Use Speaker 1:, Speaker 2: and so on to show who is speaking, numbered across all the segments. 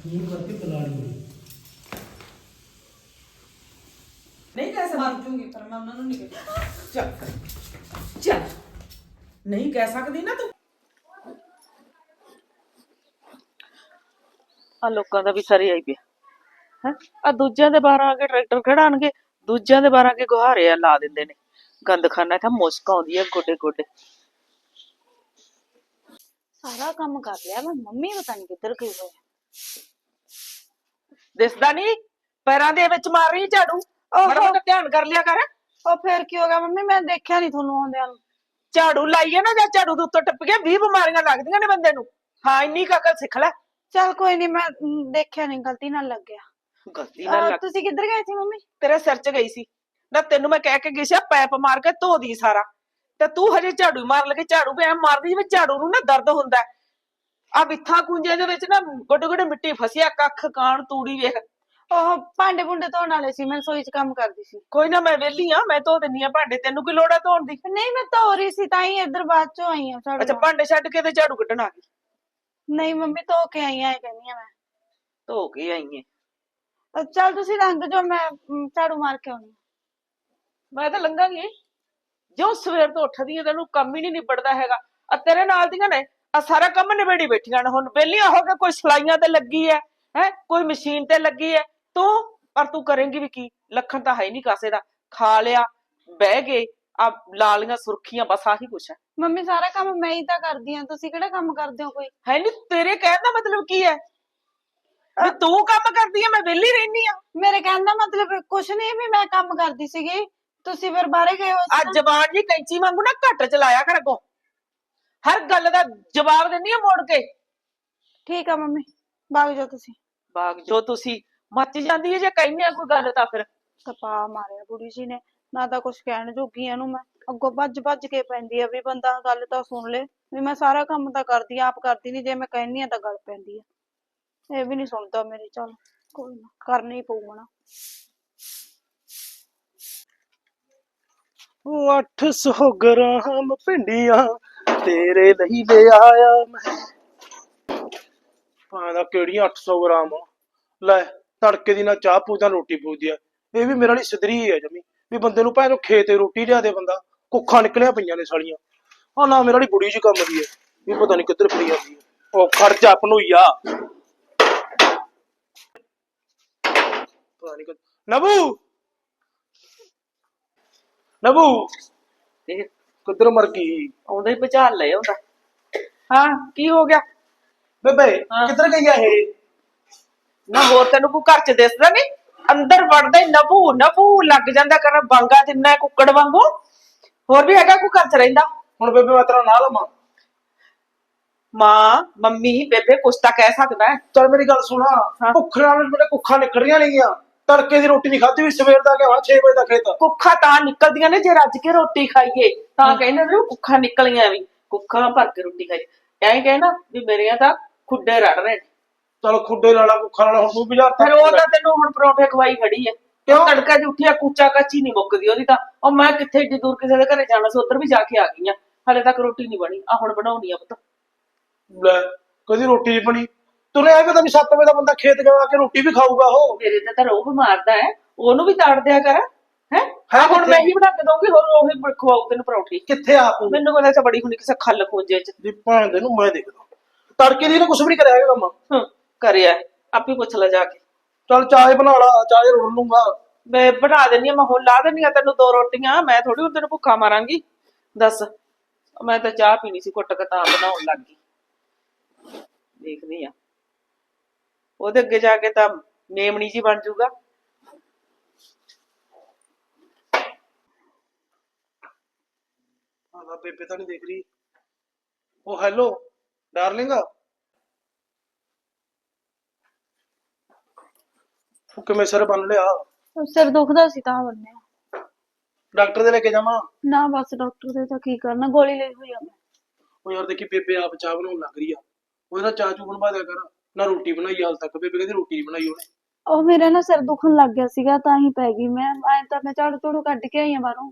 Speaker 1: Phone करके बुला लियो।
Speaker 2: नहीं कह सकती।
Speaker 3: मर जूंगी पर मैं उन्होंने नहीं कहती।
Speaker 2: चल चल नहीं कह सकती ना तू।
Speaker 4: ਆ ਲੋਕਾਂ ਦਾ ਵੀ ਸਾਰੇ ਆਈ ਪਿਆ ਹੈ। ਆ ਦੂਜਿਆਂ ਦੇ ਬਾਹਰ ਆ ਕੇ ਟਰੈਕਟਰ ਖੜਾਣਗੇ, ਦੂਜਿਆਂ ਦੇ ਬਾਹਰ ਆ ਕੇ ਗੁਹਾਰੇ ਆ ਲਾ ਦਿੰਦੇ ਨੇ। ਗੰਦ ਖਾਨਾ ਤਾਂ ਮੁਸ਼ਕ ਆਉਂਦੀ ਹੈ ਗੋਡੇ ਗੋਡੇ।
Speaker 5: ਸਾਰਾ ਕੰਮ ਕਰ ਲਿਆ ਮੈਂ, ਮੰਮੀ ਪਤਾ ਨਹੀਂ ਕਿੱਧਰ ਗਈ ਹੋਈ।
Speaker 4: ਦਿਸਦਾ ਨਹੀਂ ਪੈਰਾਂ ਦੇ ਵਿੱਚ ਮਾਰ ਰਹੀ ਝਾੜੂ। ਮਾੜਾ ਮੋਟਾ ਧਿਆਨ ਕਰ ਲਿਆ ਕਰ।
Speaker 5: ਉਹ ਫੇਰ ਕੀ ਹੋ ਗਿਆ ਮੰਮੀ, ਮੈਂ ਦੇਖਿਆ ਨਹੀਂ ਤੁਹਾਨੂੰ ਆਉਂਦਿਆਂ ਨੂੰ।
Speaker 4: ਝਾੜੂ ਲਾਈਏ ਨਾ, ਜਾਂ ਝਾੜੂ ਦੇ ਉੱਤੋਂ ਟੱਪ ਗਿਆ 20 ਬਿਮਾਰੀਆਂ ਲੱਗਦੀਆਂ ਨੇ ਬੰਦੇ ਨੂੰ। ਹਾਂ ਇੰਨੀ ਕੁ ਅਕਲ ਸਿੱਖ ਲੈ।
Speaker 5: ਚੱਲ ਕੋਈ ਨਹੀਂ, ਮੈਂ ਦੇਖਿਆ ਨਹੀਂ, ਗਲਤੀ ਨਾਲ ਲੱਗ ਗਿਆ।
Speaker 4: ਗਲਤੀ ਨਾਲ ਲੱਗ।
Speaker 5: ਤੁਸੀਂ ਕਿੱਧਰ ਗਏ ਸੀ ਮੰਮੀ?
Speaker 4: ਤੇਰੇ ਸਿਰ 'ਚ ਗਈ ਸੀ ਨਾ, ਤੈਨੂੰ ਮੈਂ ਕਹਿ ਕੇ ਗਈ ਸੀ ਪੈਪ ਮਾਰ ਕੇ ਧੋ ਦੀ ਸਾਰਾ, ਤੇ ਤੂੰ ਹਜੇ ਝਾੜੂ ਮਾਰ ਲਗੇ। ਝਾੜੂ ਐ ਮਾਰਦੀ ਜਿਵੇਂ ਝਾੜੂ ਨੂੰ ਨਾ ਦਰਦ ਹੁੰਦਾ। ਆ ਬਿੱਥਾਂ ਕੁੰਜੇ ਦੇ ਵਿੱਚ ਨਾ ਗੋਡੇ ਗੋਡੇ ਮਿੱਟੀ ਫਸਿਆ, ਕੱਖ ਕਾਣ ਤੂੜੀ ਵੇਖ।
Speaker 5: ਉਹ ਭਾਂਡੇ ਭੁੰਡੇ ਧੋਣ ਵਾਲੇ ਸੀ, ਮੈਂ ਰਸੋਈ 'ਚ ਕੰਮ ਕਰਦੀ ਸੀ।
Speaker 4: ਕੋਈ ਨਾ ਮੈਂ ਵਿਹਲੀ ਆ, ਮੈਂ ਧੋ ਦਿੰਨੀ ਆ ਭਾਂਡੇ, ਤੈਨੂੰ ਕੀ ਲੋੜ ਆ ਧੋਣ ਦੀ।
Speaker 5: ਨਹੀਂ ਮੈਂ ਧੋ ਰਹੀ ਸੀ ਤਾਂ ਹੀ ਇੱਧਰ ਬਾਅਦ 'ਚੋਂ ਆਈ ਆ।
Speaker 4: ਅੱਛਾ ਭਾਂਡੇ ਛੱਡ ਕੇ ਤੇ ਝਾੜੂ ਕੱਢਣ ਆ ਗਈ।
Speaker 5: ਨਹੀਂ ਮੰਮੀ ਧੋ ਕੇ ਆਈ ਆ, ਇਹ ਕਹਿੰਦੀ ਆ ਮੈਂ।
Speaker 4: ਧੋ ਕੇ ਆਈ ਐ।
Speaker 5: ਚੱਲ ਤੁਸੀਂ ਲੰਘ ਜਾਓ, ਮੈਂ ਝਾੜੂ ਮਾਰ ਕੇ ਆਉਣੀ।
Speaker 4: ਮੈਂ ਤਾਂ ਲੰਘਾਂਗੀ। ਜੋ ਸਵੇਰ ਤੋਂ ਉੱਠਦੀ ਐ ਤੈਨੂੰ ਕੰਮ ਹੀ ਨਹੀਂ ਨਿਬੜਦਾ ਹੈਗਾ। ਆ ਤੇਰੇ ਨਾਲ ਦੀਆਂ ਨੇ ਆ ਸਾਰਾ ਕੰਮ ਨਿਬੇੜੀ ਬੈਠੀਆਂ ਨੇ। ਹੁਣ ਵਿਹਲੀਆਂ ਹੋ ਕੇ ਕੋਈ ਸਲਾਈਆਂ ਤੇ ਲੱਗੀ ਐ, ਹੈ ਕੋਈ ਮਸ਼ੀਨ ਤੇ ਲੱਗੀ ਐ। ਤੂੰ ਪਰ ਤੂੰ ਕਰੇਂਗੀ ਵੀ ਕੀ? ਲੱਖਣ ਤਾਂ ਹੈ ਨਹੀਂ ਕਾਸੇ ਦਾ। ਖਾ ਲਿਆ, ਬਹਿ ਗਏ, ਆ ਲਾਲੀਆਂ ਸੁਰਖੀਆਂ, ਬਸ ਆਹੀ ਕੁਛ ਹੈ।
Speaker 5: ਮੰਮੀ ਸਾਰਾ ਕੰਮ ਮੈਂ ਹੀ ਤਾਂ ਕਰਦੀ ਆ, ਤੁਸੀਂ ਕਿਹੜਾ ਕੰਮ ਕਰਦੇ ਹੋ ਕੋਈ?
Speaker 4: ਹੈ ਨਹੀਂ, ਤੇਰੇ ਕਹਿਣ ਦਾ ਮਤਲਬ ਕੀ ਹੈ? ਵੀ ਤੂੰ ਕੰਮ ਕਰਦੀ ਐ, ਮੈਂ ਵਿਹਲੀ ਰਹਿਨੀ ਆ।
Speaker 5: ਮੇਰੇ ਕਹਿਣ ਦਾ ਮਤਲਬ ਕੁਛ ਨਹੀਂ ਵੀ ਮੈਂ ਕੰਮ ਕਰਦੀ ਸੀਗੀ, ਤੁਸੀਂ ਫਿਰ ਬਾਹਰੇ ਗਏ ਹੋ ਸੀ
Speaker 4: ਆ
Speaker 5: ਨਾ।
Speaker 4: ਜ਼ਬਾਨ ਜੀ ਕੈਂਚੀ ਵਾਂਗੂ ਨਾ ਘੱਟ ਚਲਾਇਆ ਕਰ ਅੱਗੋਂ। ਹਰ ਗੱਲ ਦਾ ਜਵਾਬ ਦਿੰਦੀ ਆ ਮੋੜ ਕੇ।
Speaker 5: ਠੀਕ ਆ ਮੰਮੀ, ਭਾਗ ਜਾਓ ਤੁਸੀਂ।
Speaker 4: ਬਾਗ ਜੋ ਤੁਸੀਂ ਮੱਚ ਜਾਂਦੀ ਹੈ ਜੇ ਕਹਿੰਦੇ ਆ ਕੋਈ ਗੱਲ ਤਾਂ ਫਿਰ।
Speaker 5: ਕਪਾ ਮਾਰਿਆ ਬੁੜੀ ਜੀ ਨੇ, ਨਾ ਤਾਂ ਕੁਛ ਕਹਿਣ ਜੋਗੀ ਇਹਨੂੰ ਮੈਂ। ਅੱਗੋਂ ਭੱਜ ਭੱਜ ਕੇ ਪੈਂਦੀ ਆ ਵੀ ਬੰਦਾ ਗੱਲ ਤਾਂ ਸੁਣ ਲੇ, ਵੀ ਮੈਂ ਸਾਰਾ ਕੰਮ ਤਾਂ ਕਰਦੀ ਆ, ਆਪ ਕਰਦੀ ਨੀ, ਜੇ ਮੈਂ ਕਹਿੰਦੀ ਆ ਤਾਂ ਗੱਲ ਪੈਂਦੀ ਆ। ਇਹ ਵੀ ਨੀ ਸੁਣਦਾ ਮੇਰੀ। ਚੱਲ ਕੋਈ ਨਾ, ਕਰਨਾ ਹੀ ਪਊਗਾ ਨਾ।
Speaker 1: 800 ਗ੍ਰਾਮ ਭਿੰਡੀਆਂ ਤੇਰੇ ਲਈ ਲੈ ਆਇਆ ਮੈਂ। ਦਾ ਕਿਹੜੀਆਂ 800 ਗ੍ਰਾਮ ਲੈ, ਤੜਕੇ ਦੀ ਨਾ ਚਾਹ ਪੂਜਾ ਰੋਟੀ ਪੂਜਦੀ ਆ। ਇਹ ਵੀ ਮੇਰੇ ਲਈ ਸਿਧਰੀ ਹੈ ਜਮੀ, ਵੀ ਬੰਦੇ ਨੂੰ ਭਾਵੇਂ ਖੇਤ ਤੇ ਰੋਟੀ ਲਿਆ ਦੇ ਬੰਦਾ। ਕੁੱਖਾਂ ਨਿਕਲਿਆ ਪਈਆਂ ਨੇ ਸਾਲੀਆਂ। ਆ ਨਾ ਮੇਰੇ ਲਈ ਬੁੜੀ ਜੀ ਕੰਮ ਦੀ ਹੈ, ਇਹ ਪਤਾ ਨੀ ਕਿੱਧਰ ਫਰੀ ਜਾਂਦੀ ਹੈ। ਉਹ ਖਰਚਾ ਪਨੂਈਆ ਪਤਾ ਨੀ ਨਬੂ ਨਬੂ
Speaker 4: ਇਹ
Speaker 1: ਕਿੱਧਰ ਮਰ ਗਈ?
Speaker 4: ਆਉਂਦਾ ਹੀ ਭੁਚਾਲ ਲੈ ਆਉਂਦਾ। ਹਾਂ ਕੀ ਹੋ ਗਿਆ
Speaker 1: ਬੇਬੇ
Speaker 4: ਹਾਂ।
Speaker 1: ਕਿੱਧਰ ਗਈ ਆ ਇਹ?
Speaker 4: ਨਾ ਹੋਰ ਤੈਨੂੰ ਕੋਈ ਘਰ ਚ ਦਿਸਦਾ ਨੀ? ਅੰਦਰ ਵੜਦਾ ਹੀ ਨਭੂ ਨਭੂ ਲੱਗ ਜਾਂਦਾ ਕਰਨ ਬਾਂਗਾ ਦਿੰਨਾ ਕੁੱਕੜ ਵਾਂਗੂ। ਹੋਰ ਵੀ ਹੈਗਾ ਕੋਈ ਘਰ ਚ ਰਹਿੰਦਾ?
Speaker 1: ਹੁਣ ਬੇਬੇ ਮੈਂ ਤੇਰਾ ਨਾਂ ਲਵਾਂ?
Speaker 4: ਮਾਂ ਮੰਮੀ ਬੇਬੇ ਕੁਛ ਤਾਂ ਕਹਿ ਸਕਦਾ ਹੈ।
Speaker 1: ਚੱਲ ਮੇਰੀ ਗੱਲ ਸੁਣਾ,
Speaker 4: ਹਾਂ।
Speaker 1: ਭੁੱਖ ਨਾਲ ਮੇਰੇ ਕੁੱਖਾਂ ਨਿਕਲ ਰਹੀਆਂ ਨੇਗੀਆਂ। ਤੜਕੇ ਦੀ ਰੋਟੀ ਨਹੀਂ ਖਾਧੀ ਵੀ, ਸਵੇਰ ਦਾ ਗਿਆ 6 ਵਜੇ ਦਾ ਖੇਤ।
Speaker 4: ਕੁੱਖਾਂ ਤਾਂ ਨਿਕਲਦੀਆਂ ਨੇ ਜੇ ਰੱਜ ਕੇ ਰੋਟੀ ਖਾਈਏ, ਤਾਂ ਕਹਿੰਦੇ ਨੇ ਕੁੱਖਾਂ ਨਿਕਲੀਆਂ ਵੀ। ਕੁੱਖਾਂ ਭਰ ਕੇ ਰੋਟੀ ਖਾਈ ਐਂ ਕਹੇ ਨਾ ਵੀ ਮੇਰੀਆਂ ਤਾਂ ਖੁੱਡੇ ਰੜ ਰਹੇ ਨੇ।
Speaker 1: ਚਲ ਖੁੱਡੇ ਲਾਲਾ ਕੁੱਖਾਂ ਨਾਲ ਹੁਣ ਤੂੰ ਬਾਜ਼ਾਰ
Speaker 4: ਫਿਰ ਉਹ ਤਾਂ ਤੈਨੂੰ ਹੁਣ ਪਰੌਂਠੇ ਖਵਾਈ ਖੜੀ ਐ। ਕਿਉਂ ਤੜਕਾ ਉੱਠਿਆ ਕੂਚਾ ਕਾਚੀ ਨਹੀਂ ਮੁੱਕਦੀ ਉਹਦੀ ਤਾਂ। ਉਹ ਮੈਂ ਕਿੱਥੇ ਏਡੀ ਦੂਰ ਕਿਸੇ ਦੇ ਘਰੇ ਜਾਣਾ ਸੀ, ਉੱਧਰ ਵੀ ਜਾ ਕੇ ਆ ਗਈ ਆ, ਹਾਲੇ ਤੱਕ ਰੋਟੀ ਨਹੀਂ ਬਣੀ। ਆ ਹੁਣ ਬਣਾਉਣੀ ਆ ਪੁੱਤ।
Speaker 1: ਲੈ ਕਦੀ ਰੋਟੀ ਨਹੀਂ ਬਣੀ। ਤੁਰੇ ਆ ਪਤਾ ਨੀ 7 ਵਜੇ ਦਾ ਬੰਦਾ ਖੇਤ ਜਾ ਕੇ ਰੋਟੀ ਵੀ ਖਾਊਗਾ ਉਹ।
Speaker 4: ਮੇਰੇ ਤੇ ਤਾਂ ਰੋਹ ਮਾਰਦਾ ਹੈ, ਉਹਨੂੰ ਵੀ ਤਾੜ ਦਿਆ ਕਰ। ਹੈ ਹੁਣ
Speaker 1: ਕਿੱਥੇ?
Speaker 4: ਮੈਂ ਹੀ ਬਣਾ ਕੇ ਦਊਂਗੀ, ਹੋਰ ਉਹ ਹੀ ਖਵਾਉ ਤੈਨੂੰ ਪਰੌਂਠੀ।
Speaker 1: ਕਿੱਥੇ ਆਪ
Speaker 4: ਮੈਨੂੰ ਕਹਿੰਦਾ ਤਾਂ ਬੜੀ ਹੁਣੀ ਕਿਸੇ ਖੱਲ ਖੋਜੇ ਚ।
Speaker 1: ਦੀ ਭਾਣ ਦੇ ਨੂੰ ਮੈਂ ਦੇਖਦਾ ਤੜਕੇ ਦੀ ਨੇ ਕੁਛ ਵੀ ਨਹੀਂ ਕਰਿਆ ਹੈਗਾ ਕੰਮ।
Speaker 4: ਕਰਿਆ ਆਪੇ ਪੁੱਛ ਲੈ ਜਾ ਕੇ।
Speaker 1: ਚਲ ਚਾਹ ਬਣਾ ਲਾ, ਚਾਹ ਰੋਲ ਲੂੰਗਾ
Speaker 4: ਮੈਂ ਬਣਾ ਦਿੰਦੀ ਆ, ਮੈਂ ਹੁਣ ਲਾ ਦਿੰਦੀ ਆ ਤੈਨੂੰ 2 ਰੋਟੀਆਂ। ਮੈਂ ਥੋੜੀ ਹੁਣ ਤੈਨੂੰ ਭੁੱਖਾ ਮਾਰਾਂਗੀ ਦੱਸ। ਮੈਂ ਤਾਂ ਚਾਹ ਪੀਣੀ ਸੀ ਘੁੱਟ ਕੇ ਤਾਂ ਬਣਾਉਣ ਲੱਗ ਗਈ। ਦੇਖਦੀ ਆ ਉਹਦੇ ਅੱਗੇ ਜਾ ਕੇ ਤਾਂ ਮੇਮਣੀ ਜੀ ਬਣ ਜਾਊਗਾ।
Speaker 1: ਆਦਾ ਬੇਬੇ ਤਾਂ ਨਹੀਂ ਦੇਖ ਰਹੀ। ਉਹ ਹੈਲੋ ਡਾਰਲਿੰਗ, ਉਹ ਕਿਵੇਂ ਸਿਰ ਬੰਨ ਲਿਆ?
Speaker 5: ਸਿਰ ਦੁਖਦਾ ਸੀ ਤਾਂ ਬੰਨਿਆ।
Speaker 1: ਡਾਕਟਰ ਦੇ ਲੈ ਕੇ ਜਾਵਾਂ?
Speaker 5: ਨਾ ਬਸ ਡਾਕਟਰ ਦੇ ਤਾਂ ਕੀ ਕਰਨਾ, ਗੋਲੀ ਲਈ ਹੋਈ ਆ ਮੈਂ।
Speaker 1: ਉਹ ਯਾਰ ਦੇਖੀ ਬੇਬੇ ਆਪ ਚਾਹ ਬਣਾਉਣ ਲੱਗ ਰਹੀ ਆ, ਉਹਦੇ ਨਾਲ ਚਾਹ ਚੂ ਬਣਵਾ ਦਿਆ ਕਰ। ਨਾ ਰੋਟੀ ਬਣਾਈ ਹਾਲ ਤੱਕ, ਬੇਬੇ ਕਹਿੰਦੀ ਰੋਟੀ ਨਹੀਂ ਬਣਾਈ ਉਹਨੇ।
Speaker 5: ਉਹ ਮੇਰੇ ਨਾ ਸਿਰ ਦੁਖਣ ਲੱਗ ਗਿਆ ਸੀਗਾ ਤਾਂ ਹੀ ਪੈ ਗਈ ਮੈਂ। ਐ ਤਾਂ ਮੈਂ ਝਾੜੂ ਝੂੜੂ ਕੱਢ ਕੇ ਆਈ ਆ ਬਾਹਰੋਂ।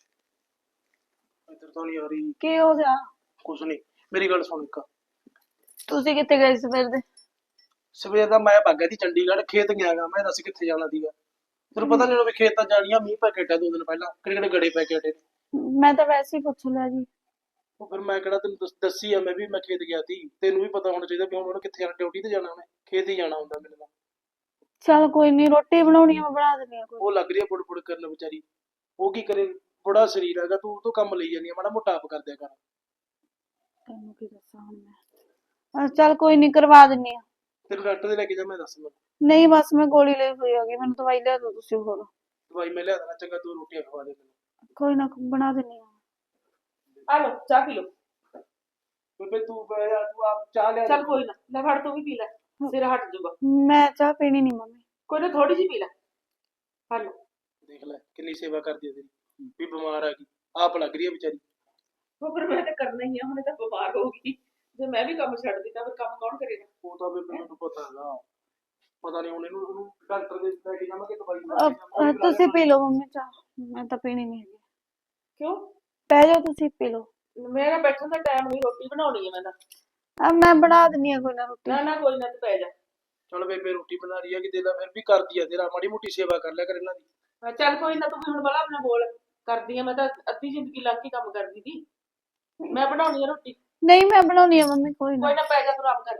Speaker 1: ਇੱਧਰ ਤਾਂ ਨਹੀਂ ਆ ਰਹੀ।
Speaker 5: ਕੀ ਹੋ ਗਿਆ?
Speaker 1: ਕੁਛ ਨਹੀਂ, ਮੇਰੀ ਗੱਲ ਸੁਣ ਇੱਕ।
Speaker 5: ਤੁਸੀਂ ਕਿੱਥੇ ਗਏ ਸਵੇਰ ਦੇ?
Speaker 1: ਸਵੇਰ ਦਾ ਮੈਂ ਭੱਗ ਗਿਆ ਸੀ ਚੰਡੀਗੜ੍ਹ, ਖੇਤ ਗਿਆਗਾ ਮੈਂ, ਦੱਸ ਕਿੱਥੇ ਜਾਣਾ ਸੀਗਾ। ਤੈਨੂੰ ਪਤਾ ਨਹੀਂ ਵੀ ਖੇਤ ਤਾਂ ਜਾਣੀਆਂ, ਮੀਂਹ ਪੈ ਕੇ ਹਟਿਆ 2 ਦਿਨ ਪਹਿਲਾਂ, ਕਿਹੜੇ ਕਿਹੜੇ ਗੜੇ ਪੈ ਕੇ ਹਟੇ ਨੇ।
Speaker 5: ਮੈਂ ਤਾਂ ਵੈਸੇ ਹੀ ਪੁੱਛ ਲਿਆ ਜੀ।
Speaker 1: ਉਹ ਫਿਰ ਮੈਂ ਕਿਹੜਾ ਤੈਨੂੰ ਦੱਸੀ ਆ, ਮੈਂ ਖੇਤ ਗਿਆ ਸੀ, ਤੈਨੂੰ ਵੀ ਪਤਾ ਹੋਣਾ ਚਾਹੀਦਾ ਵੀ ਹੁਣ ਉਹਨੇ ਕਿੱਥੇ ਜਾਣਾ, ਡਿਊਟੀ ਤੇ ਜਾਣਾ, ਉਹਨੇ ਖੇਤ ਹੀ ਜਾਣਾ ਹੁੰਦਾ ਮੈਨੂੰ ਤਾਂ।
Speaker 5: ਚੱਲ ਕੋਈ ਨਹੀਂ, ਰੋਟੀ ਬਣਾਉਣੀ ਆ ਮੈਂ ਬਣਾ ਦਿੰਦੀ ਆ ਕੋਈ।
Speaker 1: ਉਹ ਲੱਗ ਰਹੀ ਆ ਬੁੜ ਕਰਨ ਵਿਚਾਰੀ, ਉਹ ਕੀ ਕਰੇ, ਬੜਾ ਸਰੀਰ ਹੈਗਾ, ਤੂੰ ਤੋਂ ਕੰਮ ਲਈ ਜਾਂਦੀ ਆ, ਮਾੜਾ ਮੋਟਾ ਆਪ ਕਰ ਦਿਆ ਕਰ।
Speaker 5: ਤੈਨੂੰ ਕੀ ਦੱਸਾਂ ਹੁਣ ਮੈਂ। ਚੱਲ ਕੋਈ ਨਹੀਂ, ਕਰਵਾ ਦਿੰਨੀ ਆ।
Speaker 1: ਤੈਨੂੰ ਡਾਕਟਰ ਦੇ ਲੈ ਕੇ ਜਾ, ਮੈਂ ਦੱਸ ਮੈਨੂੰ।
Speaker 5: ਨਹੀਂ ਬਸ ਮੈਂ ਗੋਲੀ ਲਈ ਹੋਈ ਹੈਗੀ, ਮੈਨੂੰ ਦਵਾਈ ਲਿਆ ਦਿਓ ਤੁਸੀਂ ਹੋਰ।
Speaker 1: ਦਵਾਈ ਮੈਂ ਲਿਆ ਦੇਣਾ, ਚੰਗਾ ਤੂੰ ਰੋਟੀਆਂ ਖਵਾ ਦੇ ਮੈਨੂੰ।
Speaker 5: ਕੋਈ ਨਾ, ਬਣਾ ਦਿੰਨੀ ਆ।
Speaker 4: ਆ ਲੋ ਚਾਹ ਪੀ ਲੋ।
Speaker 1: ਬੇਬੇ ਤੂੰ ਬਹਿ ਜਾ, ਤੂੰ ਆਪ ਚਾਹ ਲਿਆ
Speaker 4: ਚੱਲ ਕੋਈ ਨਾ, ਲੈ ਫੜ ਤੂੰ ਵੀ ਪੀ ਲੈ, ਸਿਰ ਹਟ ਜਾਊਗਾ।
Speaker 5: ਮੈਂ ਚਾਹ ਪੀਣੀ ਨਹੀਂ ਮੰਮੀ।
Speaker 4: ਕੋਈ ਨਾ ਥੋੜੀ ਜਿਹੀ ਪੀ ਲੈ। ਆ ਲੋ।
Speaker 1: ਦੇਖ ਲੈ ਕਿੰਨੀ ਸੇਵਾ ਕਰਦੀ ਹੈ ਤੇਰੀ, ਵੀ ਬਿਮਾਰ ਆ ਗਈ, ਆਪ ਲੱਗ ਰਹੀ ਹੈ ਵਿਚਾਰੀ।
Speaker 4: ਉਹ ਫਿਰ ਮੈਂ ਤਾਂ ਕਰਨਾ ਹੀ ਆ, ਹੁਣ ਤਾਂ ਬਿਮਾਰ ਹੋ ਗਈ, ਜੇ ਮੈਂ ਵੀ ਕੰਮ ਛੱਡ ਦਿੱਤਾ ਫਿਰ ਕੰਮ ਕੌਣ ਕਰੇਗਾ।
Speaker 1: ਉਹ ਤਾਂ ਬੇਬੇ ਮੈਨੂੰ ਪਤਾ ਹੈਗਾ, ਪਤਾ ਨਹੀਂ ਹੁਣ ਇਹਨੂੰ ਡਾਕਟਰ ਦੇ ਲੈ ਕੇ ਜਾਵਾਂਗੇ, ਦਵਾਈ ਲੈ ਕੇ ਜਾਵਾਂਗੇ।
Speaker 5: ਤੁਸੀਂ ਪੀ ਲਓ ਮੰਮੀ ਚਾਹ, ਮੈਂ ਤਾਂ ਪੀਣੀ ਨਹੀਂ ਹੈਗੀ।
Speaker 4: ਕਿਉਂ?
Speaker 5: ਪੈ ਜਾਓ ਤੁਸੀਂ ਪੀ ਲਓ।
Speaker 4: ਮੇਰਾ ਬੈਠਣ ਦਾ ਟਾਈਮ ਨਹੀਂ, ਰੋਟੀ ਬਣਾਉਣੀ ਹੈ ਮੈਂ ਤਾਂ।
Speaker 5: ਮੈਂ ਬਣਾ ਦਿੰਨੀ ਆ ਕੋਈ ਨਾ ਰੋਟੀ।
Speaker 4: ਨਾ ਕੋਈ ਨਾ, ਤੂੰ ਪੈ ਜਾ।
Speaker 1: ਚਲ ਬੇਬੇ ਰੋਟੀ ਬਣਾ ਰਹੀ ਹੈ ਕਿ ਦੇ ਲੈ, ਫਿਰ ਵੀ ਕਰਦੀ ਆ ਤੇਰਾ, ਮਾੜੀ ਮੋਟੀ ਸੇਵਾ ਕਰ ਲਿਆ ਕਰ ਇਹਨਾਂ ਦੀ।
Speaker 4: ਚੱਲ ਕੋਈ ਨਾ, ਤੂੰ ਵੀ ਹੁਣ ਬੜਾ ਆਪਣਾ ਬੋਲ ਕਰਦੀ ਆ, ਮੈਂ ਤਾਂ ਅੱਧੀ ਜ਼ਿੰਦਗੀ ਲੱਗ ਕੇ ਕੰਮ ਕਰਦੀ ਸੀ। ਮੈਂ ਬਣਾਉਣੀ ਆ ਰੋਟੀ।
Speaker 5: ਨਹੀਂ ਮੈਂ ਬਣਾਉਣੀ ਆ ਮੰਮੀ, ਕੋਈ ਨਾ।
Speaker 4: ਕੋਈ ਨਾ ਪੈ ਜਾ, ਤੂੰ ਆਰਾਮ ਕਰ ਲੈ।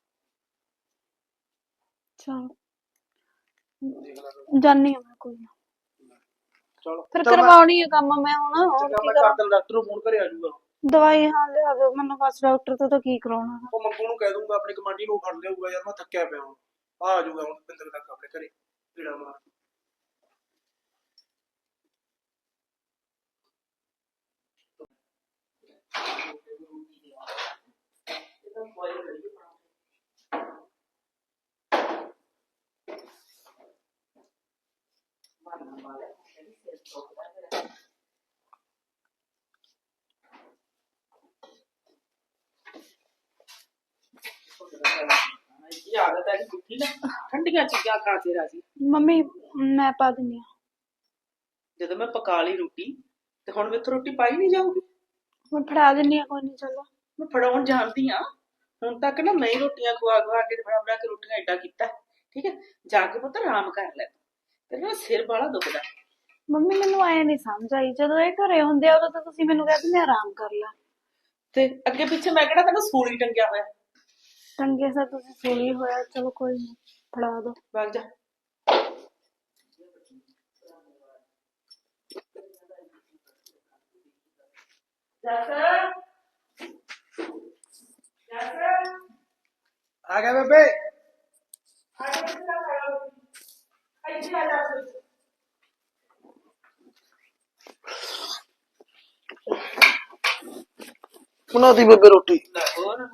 Speaker 5: ਚਲ
Speaker 1: ਦੇਖ ਲੈ
Speaker 5: ਜਾਨੀ ਆ ਮੈਂ, ਕੋਈ ਨਾ।
Speaker 1: ਚਲੋ
Speaker 5: ਫਿਰ ਕਰਵਾਉਣੀ ਆ ਕੰਮ ਮੈਂ ਹੁਣ, ਹੋਰ
Speaker 1: ਚੰਗਾ
Speaker 5: ਕੀ
Speaker 1: ਮੈਂ
Speaker 5: ਕਰਾਂ।
Speaker 1: ਕਰ ਦਿੰਦਾ, ਡਾਕਟਰ ਨੂੰ ਫੋਨ ਕਰੇ ਆ ਜਾਊਗਾ।
Speaker 5: ਦਵਾਈ ਹਾਂ ਲਿਆ ਦਿਓ ਮੈਨੂੰ, ਬਸ ਡਾਕਟਰ ਤੋਂ ਤਾਂ ਕੀ ਕਰਾਉਣਾ।
Speaker 1: ਉਹ ਮੰਗੂ ਨੂੰ ਕਹਿ ਦੂੰਗਾ, ਆਪਣੇ ਕਮਾਂਡੀ ਨੂੰ ਫੜ ਲਿਆਊਗਾ ਯਾਰ, ਮੈਂ ਥੱਕਿਆ ਪਿਆ ਹੁਣ, ਆ ਜਾਊਗਾ ਹੁਣ ਬਿੰਦਰ ਤੱਕ ਆਪਣੇ ਘਰੇ ਕੀੜਾ ਮਾਰ।
Speaker 4: ਇਹ ਆਦਤ ਹੈ ਕਿ ਨਾ ਠੰਡੀਆਂ ਚੀਜ਼ਾਂ ਖਾ ਕੇ ਰਾਜੀ।
Speaker 5: ਮੰਮੀ ਮੈਂ ਪਾ ਦਿੰਨੀ ਆ।
Speaker 4: ਜਦੋਂ ਮੈਂ ਪਕਾ ਲਈ ਰੋਟੀ ਤੇ ਹੁਣ ਮੈਥੋਂ ਰੋਟੀ ਪਾਈ ਨਹੀਂ ਜਾਊਗੀ।
Speaker 5: ਮੈਂ ਫੜਾ ਦਿੰਨੀ ਆ, ਕੋਈ ਨਹੀਂ ਚਲੋ।
Speaker 4: ਮੈਂ ਫੜਾਉਣ ਜਾਣਦੀ ਆ, ਹੁਣ ਤੱਕ ਨਾ ਮੈਂ ਹੀ ਰੋਟੀਆਂ ਖਵਾ ਕੇ ਬਣਾ ਕੇ ਰੋਟੀਆਂ ਏਡਾ ਕੀਤਾ, ਠੀਕ ਹੈ। ਜਾ ਕੇ ਪੁੱਤ ਆਰਾਮ ਕਰ ਲੈ, ਤੇਰਾ ਨਾ ਸਿਰ ਬਾਲਾ ਦੁਖਦਾ।
Speaker 5: ਮੰਮੀ ਮੈਨੂੰ ਐ ਨਹੀਂ ਸਮਝ ਆਈ, ਜਦੋਂ ਇਹ ਘਰੇ ਹੁੰਦੇ ਆ ਉਦੋਂ ਤਾਂ ਤੁਸੀਂ ਮੈਨੂੰ ਕਹਿ ਦਿੰਦੇ ਆਰਾਮ ਕਰ ਲੈ,
Speaker 4: ਤੇ ਅੱਗੇ ਪਿੱਛੇ ਮੈਂ ਕਿਹੜਾ ਤੈਨੂੰ ਸੂਲੀ ਟੰਗਿਆ ਹੋਇਆ।
Speaker 5: ਟੰਗੇ ਸਾ ਤੁਸੀਂ ਸੂਲੀ ਹੋਇਆ। ਚਲੋ ਕੋਈ ਨਹੀਂ, ਫੜਾ ਦੋ।
Speaker 4: ਵਗ ਜਾ।
Speaker 1: ਆ ਗਿਆ ਬੇਬੇ। ਬਣਾ ਦੀ ਬੇਬੇ ਰੋਟੀ।
Speaker 4: ਹੋਰ